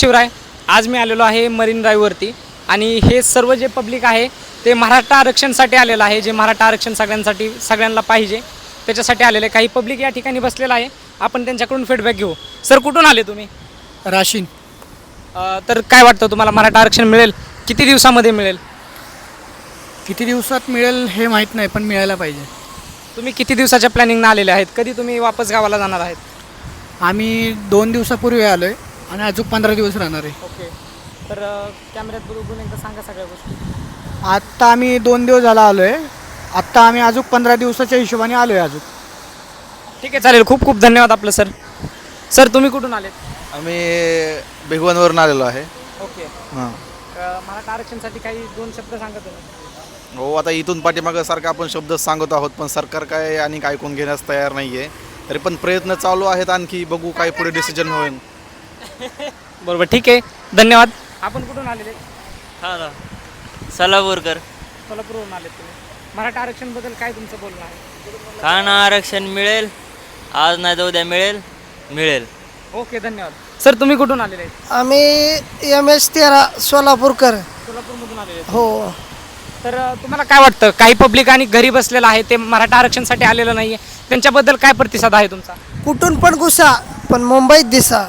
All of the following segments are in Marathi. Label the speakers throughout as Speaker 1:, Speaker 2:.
Speaker 1: शिवराय, आज मी आलेलो आहे मरीन ड्राईव्हवरती आणि हे सर्व जे पब्लिक आहे ते मराठा आरक्षणसाठी आलेलं आहे. जे मराठा आरक्षण सगळ्यांना पाहिजे त्याच्यासाठी आलेले काही पब्लिक या ठिकाणी बसलेलं आहे. आपण त्यांच्याकडून फीडबॅक घेऊ. सर, कुठून आले तुम्ही?
Speaker 2: राशीन.
Speaker 1: तर काय वाटतं तुम्हाला मराठा आरक्षण मिळेल? किती दिवसामध्ये मिळेल?
Speaker 2: किती दिवसात मिळेल हे माहीत नाही, पण मिळायला पाहिजे.
Speaker 1: तुम्ही किती दिवसाच्या प्लॅनिंगनं आलेले आहेत? कधी तुम्ही वापस गावाला जाणार आहेत?
Speaker 2: आम्ही 2 दिवसापूर्वी आलो आहे आणि अजून 15 दिवस राहणार आहे.
Speaker 1: ओके. तर कॅमेऱ्यात बघून एकदा सांगा सगळ्या गोष्टी.
Speaker 2: आत्ता आम्ही 2 दिवस झाला आलो आहे. आत्ता आम्ही अजून 15 दिवसाच्या हिशोबाने आलो आहे अजून.
Speaker 1: ठीक आहे, चालेल. खूप खूप धन्यवाद आपलं सर. सर, तुम्ही कुठून आलेत?
Speaker 3: आम्ही भिगवणवरून आलेलो आहे.
Speaker 1: ओके.
Speaker 3: हां.
Speaker 1: मराठा आरक्षणसाठी काही 2 शब्द सांगा तुम्ही.
Speaker 3: हो, आता इथून पाठीमागं सारखं आपण शब्द सांगत आहोत, पण सरकार काय आणि ऐकून घेण्यास तयार नाही आहे. तरी पण प्रयत्न चालू आहेत, आणखी बघू काय पुढे डिसिजन होईल.
Speaker 1: बरोबर, ठीक आहे, धन्यवाद. आपण कुठून आलेले?
Speaker 4: हा ना, सोलापूरकर.
Speaker 1: सोलापूरवरून आलेत तुम्ही. मराठा आरक्षणबद्दल काय तुमचं बोलणं आहे?
Speaker 4: का ना आरक्षण मिळेल, आज नाही तर उद्या मिळेल.
Speaker 1: ओके, धन्यवाद. सर, तुम्ही कुठून आलेले आहेत?
Speaker 5: आम्ही MS13 सोलापूरकर.
Speaker 1: सोलापूरमधून आलेले आहेत.
Speaker 5: हो.
Speaker 1: तर तुम्हाला काय वाटतं, काही पब्लिक आणि घरी बसलेलं आहे ते मराठा आरक्षणसाठी आलेलं नाही आहे, त्यांच्याबद्दल काय प्रतिसाद आहे तुमचा?
Speaker 5: कुठून पण घुसा पण मुंबईत दिसा.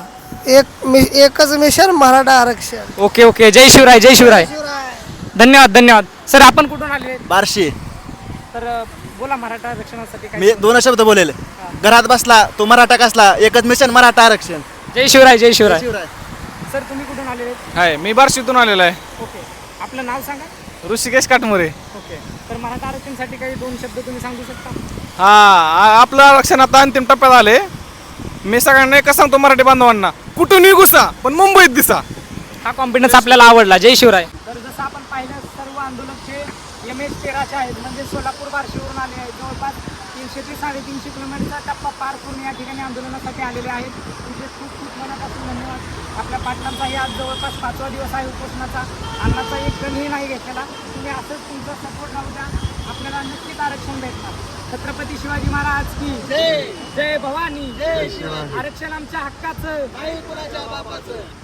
Speaker 5: एकच मिशन मराठा आरक्षण.
Speaker 1: ओके ओके, जय शिवराय, जय शिवराय. धन्यवाद धन्यवाद. सर, आपण कुठून आलेले?
Speaker 6: बार्शी.
Speaker 1: तर बोला, मराठा आरक्षणासाठी
Speaker 6: मी
Speaker 1: काय?
Speaker 6: 2 शब्द बोलेल. घरात बसला तो मराठा कसला, एकच मिशन मराठा आरक्षण.
Speaker 1: जय शिवराय, जय शिवराय.
Speaker 6: शिवराय.
Speaker 1: सर, तुम्ही कुठून आलेले?
Speaker 7: आहे, मी बार्शीतून आलेलो आहे.
Speaker 1: ओके, आपलं नाव सांगा.
Speaker 7: ऋषिकेश काटमोरे.
Speaker 1: ओके, तर मराठा आरक्षणसाठी काही 2 शब्द तुम्ही सांगू शकता?
Speaker 7: आपलं आरक्षण आता अंतिम टप्प्यात आले. मी सगळ्यांना एकच सांगतो मराठी बांधवांना, कुठूनही घुसा पण मुंबईत दिसा.
Speaker 1: हा कॉन्फिडन्स आपल्याला आवडला. जय शिवराय. तर जसं आपण पाहिलं, सर्व आंदोलकचे MS13 आहेत, म्हणजे सोलापूर बार्शीवरून आले आहेत. जवळपास 300 ते 350 किलोमीटरचा टप्पा पार करून या ठिकाणी आंदोलनासाठी आलेले आहेत. तुझे खूप खूप मनापासून धन्यवाद. आपल्या पाटलांचाही आज जवळपास 5वा दिवस आहे उपोषणाचा. अन्नाचा एक कणही नाही घेतलेला. तुम्ही असंच तुमचा सपोर्ट राहू द्या, आपल्याला नक्कीच आरक्षण भेटणार. छत्रपती शिवाजी महाराज की जय. जय भवानी. जय शिवाजी. आरक्षण आमच्या हक्काचं, नाही कुणाच्या बापाचं.